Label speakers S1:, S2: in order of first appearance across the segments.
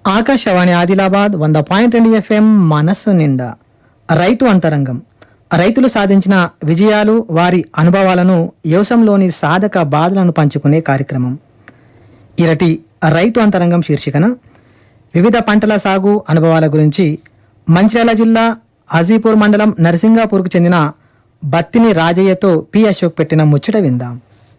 S1: Akashvani Adilabad 100.2 FM మనస్సు నిండా రైతు అంతరంగం. రైతులు సాధించిన విజయాలు, వారి అనుభవాలను, వ్యవసాయంలోని సాధక బాధలను పంచుకునే కార్యక్రమం. ఇరటి రైతు అంతరంగం శీర్షికన వివిధ పంటల సాగు అనుభవాల గురించి మంచిర్యాల జిల్లా హాజీపూర్ మండలం నరసింగాపూర్కు చెందిన బత్తిని రాజయ్యతో పి అశోక్ పెట్టిన ముచ్చట విందాం.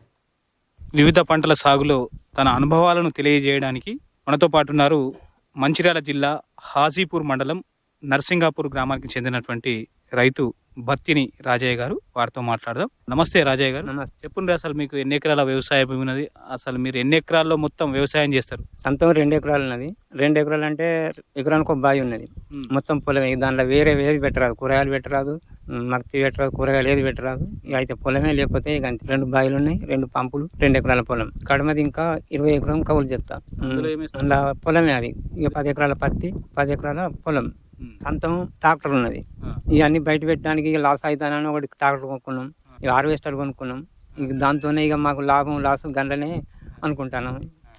S2: వివిధ పంటల సాగులో తన అనుభవాలను తెలియజేయడానికి మనతో పాటు ఉన్నారు మంచిర్యాల జిల్లా హాజీపూర్ మండలం నరసింగాపూర్ గ్రామానికి చెందినటువంటి రైతు బత్తిని రాజయ్య గారు. వారితో మాట్లాడదాం. నమస్తే రాజయ్య గారు.
S3: నమస్తే.
S2: చెప్పండి, అసలు మీకు ఎన్ని ఎకరాల వ్యవసాయ భూమి ఉన్నది? అసలు మీరు ఎన్ని ఎకరాల్లో మొత్తం వ్యవసాయం చేస్తారు?
S3: సొంతం 2 ఎకరాలు ఉన్నది. 2 ఎకరాలు అంటే ఎకరానికి ఒక బావి ఉన్నది. మొత్తం పొలమే. దాంట్లో వేరే ఏది పెట్టరాదు, కూరగాయలు పెట్టరాదు, మక్తి పెట్టరాదు, కూరగాయలు ఏది పెట్టరాదు. ఇక అయితే పొలమే. లేకపోతే ఇక 2 బావిలు ఉన్నాయి, 2 పంపులు, 2 ఎకరాల పొలం. కడమది ఇంకా 20 ఎకరం కవులు చెప్తా. అందులో పొలమే అది. ఇక 10 ఎకరాల పత్తి, 10 ఎకరాల పొలం. సొంతం ట్రాక్టర్ ఉన్నది. ఇవన్నీ బయట పెట్టడానికి ఇక లాస్ అవుతానని ఒకటి ట్రాక్టర్ కొనుక్కున్నాం. ఇక హార్వెస్టర్ కొనుక్కున్నాం. ఇక దాంతోనే ఇక మాకు లాభం లాస్ గంటనే అనుకుంటాను.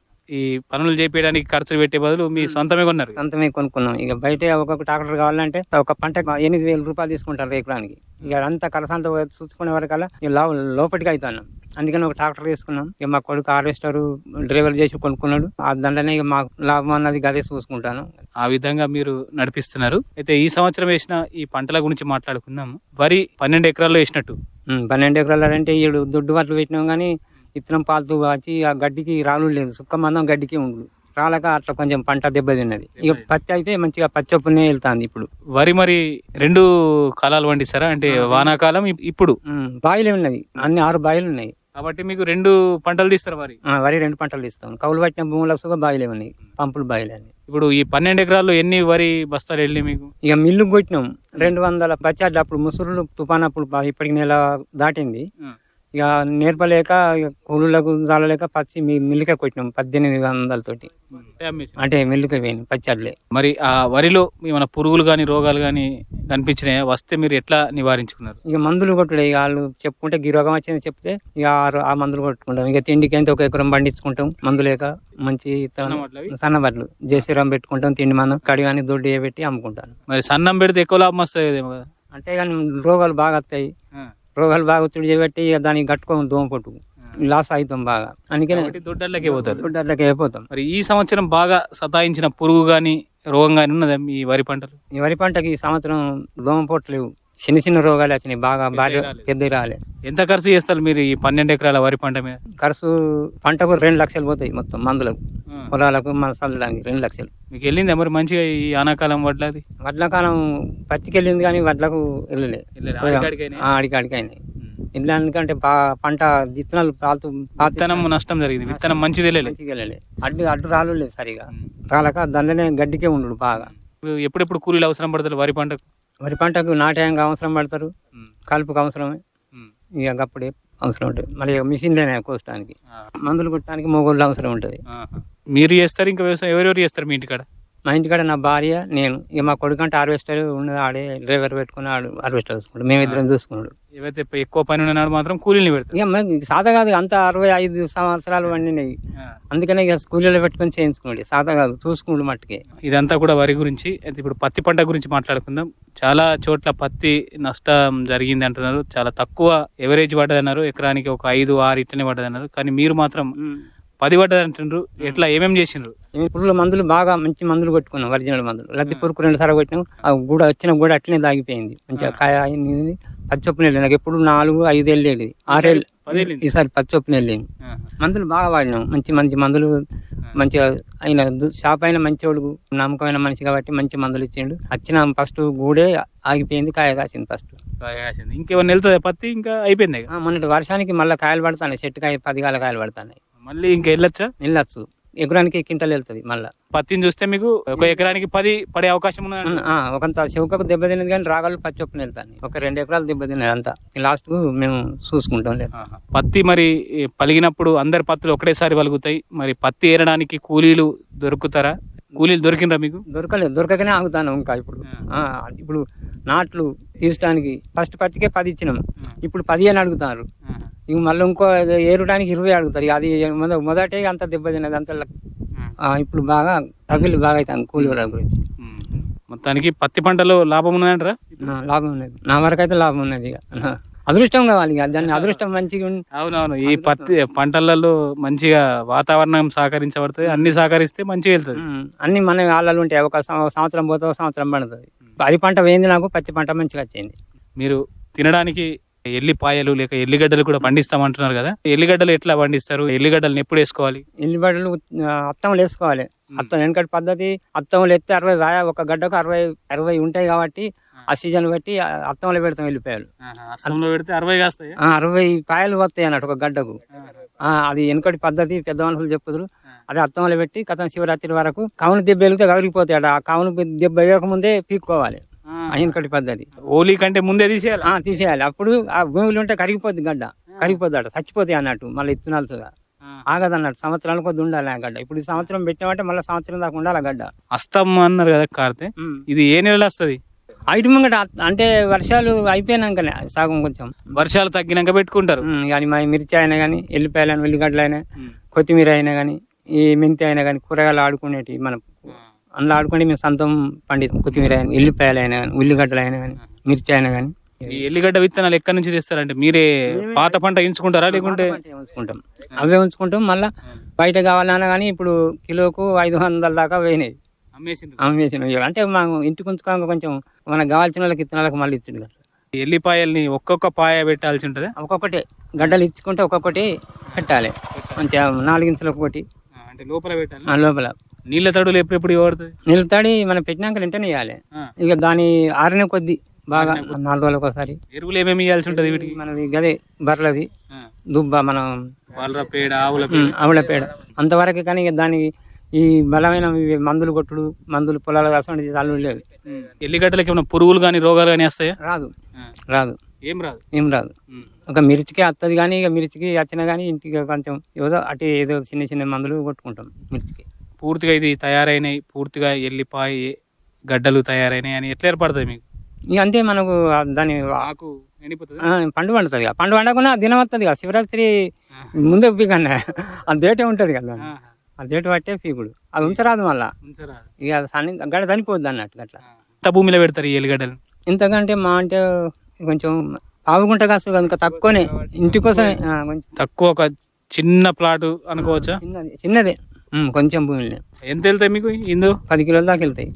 S2: ఈ పనులు చేపించడానికి ఖర్చు పెట్టే బదులు మీ సొంతమే కొన్నారు.
S3: సొంతమే కొనుక్కున్నాం. ఇక బయట ఒక్కొక్క ట్రాక్టర్ కావాలంటే ఒక పంట 8,000 రూపాయలు తీసుకుంటారు ఎకరానికి. ఇక అంతా కలసంతా చూసుకునే వరకల్లా ఇక లోపలికి అవుతాను. అందుకని ఒక ట్రాక్టర్ తీసుకున్నాం. ఇక మా కొడుకు హార్వెస్టర్ డ్రైవర్ చేసి కొనుక్కున్నాడు. ఆ దండనే ఇక మాకు లాభం అన్నది గదే చూసుకుంటాను.
S2: ఆ విధంగా మీరు నడిపిస్తున్నారు. అయితే ఈ సంవత్సరం వేసిన ఈ పంటల గురించి మాట్లాడుకుందాం. వరి 12 ఎకరాల్లో వేసినట్టు.
S3: 12 ఎకరాలు అంటే ఈడు దొడ్డు వడ్లు పెట్టినాం కానీ ఇత్తనం పాలుతూ వచ్చి ఆ గడ్డికి రాలు లేదు. సుక్క మందం గడ్డికి ఉండు రాలక అట్లా కొంచెం పంట దెబ్బతిన్నది. ఇక పత్తి అయితే మంచిగా పచ్చొప్పునే వెళ్తాంది. ఇప్పుడు
S2: వరి మరి 2 కాలాలు పండిస్తారా? అంటే వానాకాలం, ఇప్పుడు
S3: బాయిలే ఉన్నది. అన్ని 6 బాయిలు ఉన్నాయి
S2: కాబట్టి మీకు 2 పంటలు తీస్తారు.
S3: వరి 2 పంటలు తీస్తాం. కౌలు పట్టిన భూములకు బాయిలే ఉన్నాయి, పంపులు బాయిలే అని.
S2: ఇప్పుడు ఈ 12 ఎకరాల్లో ఎన్ని వరి బస్తాలు వెళ్ళి మీకు?
S3: ఇక మిల్లుకు కొట్టినాం 200 బచ్చాడ్లు. అప్పుడు ముసురులు తుఫాన్ అప్పుడు ఇప్పటికి నెల దాటింది. ఇక నేర్పలేక కూలీలకు జాలలేక పచ్చి మిల్లుకే కొట్టినాం 1800 తోటి. అంటే మిల్లుకే పోయినాయి పచ్చాడ్లే.
S2: మరి ఆ వరిలో ఏమైనా పురుగులు కానీ రోగాలు కానీ కనిపించినాయా? వస్తే మీరు ఎట్లా నివారించుకున్నారు?
S3: ఇక మందులు కొట్టుడే. ఇక వాళ్ళు చెప్పుకుంటే ఈ రోగం వచ్చింది చెప్తే ఇక ఆ మందులు కొట్టుకుంటాం. ఇక తిండికి ఎంత 1 ఎకరం పండించుకుంటాం. మందు లేక మంచి సన్నబట్లు జేసీరం పెట్టుకుంటాం. తిండి మందం కడివాని దొడ్డు పెట్టి అమ్ముకుంటాను.
S2: మరి సన్నం పెడితే ఎక్కువ లాభం వస్తుంది కదా?
S3: అంటే కానీ రోగాలు బాగా వస్తాయి. రోగాలు బాగా ఒత్తిడి చేయబట్టి ఇక దానికి కట్టుకోము దోమ పొట్టు లాస్ అవుతాం బాగా. అందుకనే దొడ్డర్లకే అయిపోతాం.
S2: మరి ఈ సంవత్సరం బాగా సతాయించిన పురుగు గాని రోగం గాని ఉన్నదా ఈ వరి పంటలు?
S3: ఈ వరి పంటకి ఈ సంవత్సరం దోమ పొట్టు లేవు. చిన్న చిన్న రోగాలు వచ్చినాయి. బాగా భారీ పెద్ద రాలే.
S2: ఎంత ఖర్చు చేస్తారు మీరు ఈ 12 ఎకరాల వరి పంట మీద?
S3: ఖర్చు పంటకు 2 లక్షలు పోతాయి మొత్తం. మందులకు పొలాలకు మన చల్లడానికి 2 లక్షలు.
S2: మీకు వెళ్ళిందా మరి మంచిగా ఈ ఆనాకాలం వడ్లది?
S3: వడ్లకాలం పత్తికి వెళ్ళింది కానీ వడ్లకు వెళ్ళలే. ఆడికాడికైనాయి. ఎందుకంటే పంట విత్తనాలు
S2: విత్తనం నష్టం జరిగింది. విత్తనం మంచిది
S3: వెళ్ళలే. అడ్డు రాలు లేదు సరిగా రాలక దానిలోనే గడ్డికే ఉండు బాగా.
S2: ఎప్పుడెప్పుడు కూలీలు అవసరం పడతారు వరి పంటకు?
S3: వరి పంటకు నాటేయంగా అవసరం పడతారు, కలుపుకు అవసరమే. ఇక అప్పుడే అవసరం ఉంటుంది. మళ్ళీ మిషన్లేనే కోసడానికి, మందులు కొట్టడానికి మొగోళ్ళు అవసరం ఉంటుంది.
S2: మీరు చేస్తారు ఇంకా వ్యవసాయం? ఎవరెవరు చేస్తారు మీ ఇంటికాడ?
S3: మా ఇంటికాడ నా భార్య, నేను. ఇక మా కొడుకు అంటే హార్వెస్టర్ ఉన్నది. ఆడే డ్రైవర్ పెట్టుకుని ఆడు హార్వెస్టర్ చూసుకుంటాడు. మేమిద్దరం చూసుకున్నాడు.
S2: ఏవైతే ఎక్కువ పని ఉన్నాడు మాత్రం కూలీని పెడతారు.
S3: ఇక సాదా కాదు. అంత 65 సంవత్సరాలు వండినాయి. అందుకనే ఇక స్కూల్లో పెట్టుకొని చేయించుకున్నాడు. సాదా కాదు, చూసుకున్నాడు మట్టుకే.
S2: ఇదంతా కూడా వరి గురించి. అయితే ఇప్పుడు పత్తి పంట గురించి మాట్లాడుకుందాం. చాలా చోట్ల పత్తి నష్టం జరిగింది అంటున్నారు. చాలా తక్కువ ఎవరేజ్ పడ్డదన్నారు. ఎకరానికి ఒక 5-6 ఇట్లనే పడ్డదన్నారు. కానీ మీరు మాత్రం 10 పడ్డది అంటున్నారు. ఎట్లా ఏమేమి చేసిండ్రు?
S3: పురుగుల మందులు బాగా మంచి మందులు కొట్టుకున్నాం. ఒరిజినల్ మందులు. లద్ది పురుగు 2 సార్లు కొట్టినాం. ఆ గూడ వచ్చిన గూడ అట్లనే దాగిపోయింది. మంచిగా కాయ పచ్చొప్పున వెళ్ళి నాకు ఎప్పుడు 4-5 వెళ్ళేది. 6 ఏళ్ళు ఈసారి పచ్చొప్పున వెళ్ళింది. మందులు బాగా వాడినాం. మంచి మంచి మందులు. మంచిగా ఆయన షాప్ అయిన మంచివాడు, నమ్మకమైన మనిషి కాబట్టి మంచి మందులు ఇచ్చిండు. వచ్చిన ఫస్ట్ గూడే ఆగిపోయింది. కాయ కాసింది ఫస్ట్.
S2: ఇంకేమన్నా వెళ్తుంది పత్తి? ఇంకా అయిపోయింది.
S3: మొన్నటి వర్షానికి మళ్ళీ కాయలు పడతాయి. చెట్టు కాయ 10 కాయలు పడతాయి.
S2: మళ్ళీ ఇంకా వెళ్ళొచ్చు.
S3: ఎకరానికి క్వింటాల్ వెళ్తుంది. మళ్ళీ
S2: పత్తిని చూస్తే మీకు ఒక ఎకరానికి 10 పడే అవకాశం ఉన్నది.
S3: ఒకంత చెవుకకు దెబ్బతిన్నది కానీ రాగాలు పచ్చొప్పున వెళ్తాను. ఒక 2 ఎకరాలు దెబ్బతిన్నది. అంతా లాస్ట్ కు మేము చూసుకుంటాం. లేదు
S2: పత్తి మరి పలిగినప్పుడు అందరి పత్తులు ఒకటేసారి పలుగుతాయి. మరి పత్తి ఏరడానికి కూలీలు దొరుకుతారా? కూలీలు దొరికినరా మీకు?
S3: దొరకకనే ఆగుతాను. ఇంకా ఇప్పుడు నాట్లు తీర్చడానికి ఫస్ట్ పత్తికే 10 ఇచ్చినాం. ఇప్పుడు 15 అడుగుతారు. ఇక మళ్ళీ ఇంకో ఏరడానికి 20 అడుగుతారు. అది మొదటే అంత దెబ్బతిన్నది. అంత ఇప్పుడు బాగా తగ్గులు బాగా అవుతుంది కూలీల గురించి.
S2: మొత్తానికి పత్తి పంటలో లాభం ఉన్నదంటారా?
S3: లాభం ఉన్నది, నా వరకు అయితే లాభం ఉన్నది. ఇక అదృష్టం కావాలి, ఇక దాన్ని అదృష్టం మంచిగా
S2: అవునవును. ఈ పత్తి పంటలలో మంచిగా వాతావరణం సహకరించబడుతుంది, అన్ని సహకరిస్తే మంచిగా వెళ్తుంది.
S3: అన్ని మన వాళ్ళలు ఉంటాయి. ఒక సంవత్సరం పోతే ఒక సంవత్సరం పడుతుంది. వరి పంట పోయింది, నాకు పత్తి పంట మంచిగా వచ్చింది.
S2: మీరు తినడానికి ఎల్లిపాయలు లేక ఎల్లిగడ్డలు కూడా పండిస్తామంటున్నారు కదా, ఎల్లిగడ్డలు ఎట్లా పండిస్తారు? ఎల్లిగడ్డలను ఎప్పుడు వేసుకోవాలి?
S3: ఎల్లిగడ్డలు అత్తములు వేసుకోవాలి. అత్తం వెనకటి పద్ధతి, అత్తములు ఎత్తే 60 ఒక గడ్డకు 60 ఉంటాయి కాబట్టి ఆ సీజన్ బట్టి అత్తంలో పెడతాం ఎల్లిపాయలు.
S2: అస్తంలో పెడితే 60 కాస్తాయి,
S3: 60 పాయలు వస్తాయి అన్నట్టు ఒక గడ్డకు. అది వెనకటి పద్ధతి, పెద్ద మనుషులు చెప్పుదురు. అదే అత్తంలో పెట్టి కథం శివరాత్రి వరకు కవును దెబ్బ వెలిగితే కరిగిపోతాయి. ఆ కవును దెబ్బ వేయక ముందే పీక్కోవాలి. వెనకటి పద్ధతి.
S2: హోలీ కంటే ముందే తీసేయాలి.
S3: తీసేయాలి. అప్పుడు ఆ భూమిలో ఉంటే కరిగిపోద్ది గడ్డ, కరిగిపోద్ది అట, చచ్చిపోతాయి అన్నట్టు. మళ్ళీ ఇత్తనాలు ఆగదు అన్నట్టు, సంవత్సరాల కొద్ది ఉండాలి ఆ గడ్డ. ఇప్పుడు ఈ సంవత్సరం పెట్టామంటే మళ్ళీ సంవత్సరం దాకా ఉండాలి ఆ గడ్డ.
S2: అస్తం అన్నారు కదా కార్తే, ఇది ఏ నెలలో వస్తుంది?
S3: ఐటు ముంగట అంటే వర్షాలు అయిపోయినాకనే సగం కొంచెం
S2: వర్షాలు తగ్గినాక పెట్టుకుంటారు.
S3: కానీ మా మిర్చి అయినా కానీ, ఎల్లిపాయలు అయినా, ఉల్లిగడ్డలు అయినా, కొత్తిమీర అయినా కానీ, ఈ మెంతి అయినా కానీ, కూరగాయలు ఆడుకునేటి మనం అందులో ఆడుకుంటే మేము సొంతం పండిస్తాం. కొత్తిమీర అయినా, ఎల్లిపాయలు అయినా కానీ, ఉల్లిగడ్డలు అయినా కానీ, మిర్చి అయినా కానీ.
S2: ఈ ఎల్లిగడ్డ విత్తనాలు ఎక్కడి నుంచి తెస్తారంటే మీరే పాత పంట ఉంచుకుంటారా లేకుంటే?
S3: ఉంచుకుంటాం, అవే ఉంచుకుంటాం. మళ్ళీ బయట కావాలన్నా కానీ ఇప్పుడు కిలోకు 500 దాకా పోయినాయి, అమ్మేసినవి. అంటే మాకు ఇంటికి ఉంచుకోక కొంచెం మనకు కావాల్సిన వాళ్ళకి ఇత్తనాలకు మళ్ళీ ఇచ్చిండు కదా.
S2: ఎల్లిపాయల్ని ఒక్కొక్క పాయ పెట్టాల్సి ఉంటుంది.
S3: ఒక్కొక్కటి గడ్డలు ఇచ్చుకుంటే ఒక్కొక్కటి పెట్టాలి, మంచిగా 4 ఇంచులకు ఒకటి.
S2: అంటే లోపల పెట్టాలి.
S3: లోపల
S2: నీళ్ళ తడులు ఎప్పుడెప్పుడు పడుతుంది?
S3: నీళ్ళ తడి మనం పెట్టినాక వెంటనే వేయాలి. ఇక దాని ఆరిన కొద్ది బాగా 4 రోజులకు ఒకసారి.
S2: ఎరువులు ఏమేమి ఇవ్వాల్సి ఉంటుంది వీటికి?
S3: మనది గదే బర్రెలది దుబ్బ, మనం
S2: పేడ,
S3: ఆవుల పేడ అంతవరకు. కానీ ఇక దానికి ఈ బలమైన మందులు కొట్టుడు, మందులు పొలాలు కాసం చాలు లేవు.
S2: ఎల్లిగడ్డలకి ఏమైనా పురుగులు కానీ రోగాలు కానీ వస్తాయా?
S3: రాదు ఏం రాదు. ఒక మిర్చికి వస్తుంది కానీ, ఇక మిర్చికి వచ్చినా కానీ ఇంటికి కొంచెం ఏదో చిన్న చిన్న మందులు కొట్టుకుంటాం మిర్చికి.
S2: పూర్తిగా ఇది తయారైనాయి, పూర్తిగా ఎల్లిపాయ గడ్డలు తయారైనాయి అని ఎట్లా ఏర్పడుతుంది మీకు?
S3: ఇక అంతే, మనకు దాని
S2: ఆకు ఎండిపోతుంది,
S3: పండు పండుతుంది. పండు పండకుండా దినం వస్తుంది కదా, శివరాత్రి ముందే పీకన్నా ఆ డేటే ఉంటుంది కదా, ఆ డేట్ పట్టే పీకుడు. అది ఉంచరాదు మళ్ళా, ఇక గడ్డ చనిపోద్ది అన్నట్టు. అట్లా
S2: ఎంత భూమిలో పెడతారు ఈ ఎల్లిగడ్డలు?
S3: ఇంతకంటే మా అంటే కొంచెం పావుగుంట కాస్త కనుక తక్కువనే, ఇంటి కోసమే.
S2: తక్కువ, ఒక చిన్న ప్లాట్ అనుకోవచ్చా?
S3: చిన్నదే, కొంచెం భూమిలో.
S2: ఎంత వెళ్తాయి మీకు ఇందు?
S3: 10 కిలోల దాకా వెళ్తాయి.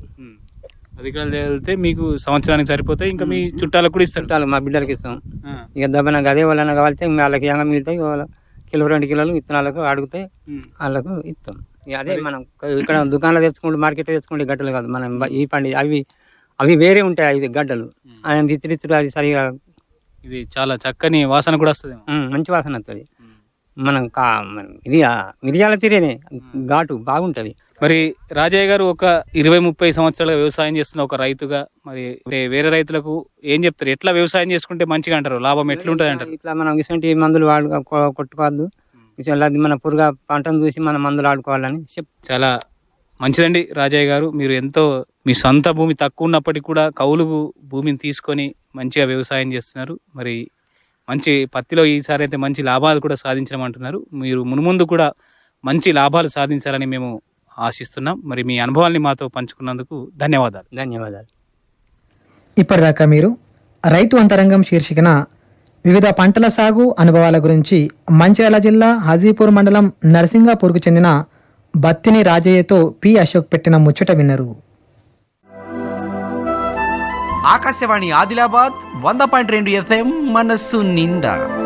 S2: 10 కిలోలు వెళ్తే మీకు సంవత్సరానికి సరిపోతాయి. ఇంకా మీ చుట్టాలకు కూడా ఇస్తారు?
S3: చుట్టాలు మా బిడ్డలకి ఇస్తాం. ఇక దెబ్బన అదే వాళ్ళని కావాలితే వాళ్ళకి ఏమైనా మిగులుతాయి, వాళ్ళ కిలో 2 కిలోలు విత్తనాలకు అడిగితే వాళ్ళకు ఇస్తాం. ఇక అదే మనం ఇక్కడ దుకాణంలో తెచ్చుకుంటే, మార్కెట్ తెచ్చుకుంటే గడ్డలు కాదు మనం ఈ పండి, అవి వేరే ఉంటాయి. ఇది గడ్డలు ఆయన ఇత్తురిత్తురు, అది సరిగా.
S2: ఇది చాలా చక్కని వాసన కూడా వస్తుంది,
S3: మంచి వాసన వస్తుంది. మనం ఇది మిరియాల తీరేనే ఘాటు బాగుంటది.
S2: మరి రాజయ్య గారు ఒక 20-30 సంవత్సరాలుగా వ్యవసాయం చేస్తున్న ఒక రైతుగా, మరి వేరే రైతులకు ఏం చెప్తారు? ఎట్లా వ్యవసాయం చేసుకుంటే మంచిగా అంటారు, లాభం ఎట్లుంటది అంటారు?
S3: ఇట్లా మనం ఇటువంటి మందులు కొట్టుకోవద్దు, మన పురుగు పంటను చూసి మనం మందులు ఆడుకోవాలని
S2: చాలా మంచిదండి రాజయ్య గారు. మీరు ఎంతో మీ సొంత భూమి తక్కువ ఉన్నప్పటికీ కూడా కౌలు భూమిని తీసుకొని మంచిగా వ్యవసాయం చేస్తున్నారు. మరి మంచి పత్తిలో ఈసారి అయితే మంచి లాభాలు కూడా సాధించమంటున్నారు. మీరు మున్ముందు కూడా మంచి లాభాలు సాధించాలని మేము ఆశిస్తున్నాం. మరి మీ అనుభవాల్ని మాతో పంచుకున్నందుకు ధన్యవాదాలు.
S1: ఇప్పటిదాకా మీరు రైతు అంతరంగం శీర్షికన వివిధ పంటల సాగు అనుభవాల గురించి మంచిర్యాల జిల్లా హాజీపూర్ మండలం నర్సింగాపూర్కు చెందిన బత్తిని రాజయ్యతో పి అశోక్ పెట్టిన ముచ్చట విన్నారు.
S4: ఆకాశవాణి ఆదిలాబాద్ 100.2 FM మనస్సు నిండా.